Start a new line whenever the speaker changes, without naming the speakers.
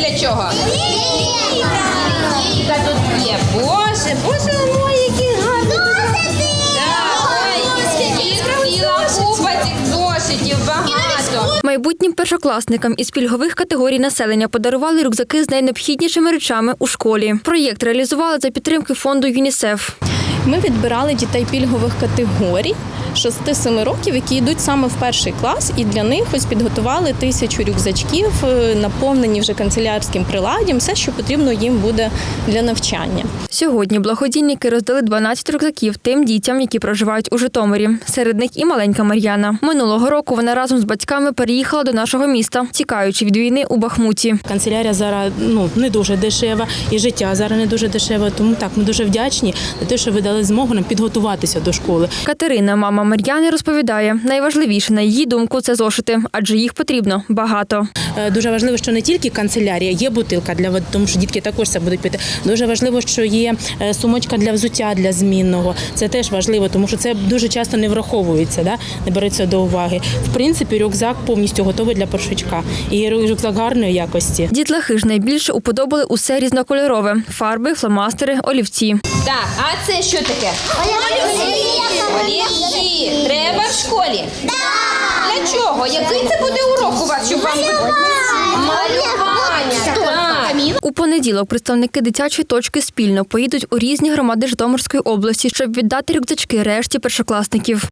для чого? Лінійка тут є. Боже, ой, які гарні. Ціла купа цих зошитів, багато.
Майбутнім першокласникам із пільгових категорій населення подарували рюкзаки з найнеобхіднішими речами у школі. Проєкт реалізували за підтримки фонду ЮНІСЕФ.
Ми відбирали дітей пільгових категорій 6-7 років, які йдуть саме в перший клас, і для них ось підготували 1000 рюкзачків, наповнені вже канцелярським приладдям, все, що потрібно їм буде для навчання.
Сьогодні благодійники роздали 12 рюкзаків тим дітям, які проживають у Житомирі. Серед них і маленька Мар'яна. Минулого року вона разом з батьками переїхала до нашого міста, тікаючи від війни у Бахмуті.
Канцелярія зараз не дуже дешева, і життя зараз не дуже дешеве, тому так, ми дуже вдячні за те, що ви дали змогу нам підготуватися до школи.
Катерина, мама Мар'яни, розповідає, найважливіше, на її думку, це зошити, адже їх потрібно багато.
Дуже важливо, що не тільки канцелярія, є бутилка для води, тому що дітки також це будуть пити. Дуже важливо, що є сумочка для взуття, для змінного. Це теж важливо, тому що це дуже часто не враховується, не береться до уваги. В принципі, рюкзак повністю готовий для першачка. І рюкзак гарної якості.
Дітлахи ж найбільше уподобали усе різнокольорове – фарби, фломастери, олівці.
Так, а це що таке? Олівці. Треба в школі? Так. Для чого? Який це буде урок у вас, щоб вам... Малювання. Так.
У понеділок представники дитячої точки спільно поїдуть у різні громади Житомирської області, щоб віддати рюкзачки решті першокласників.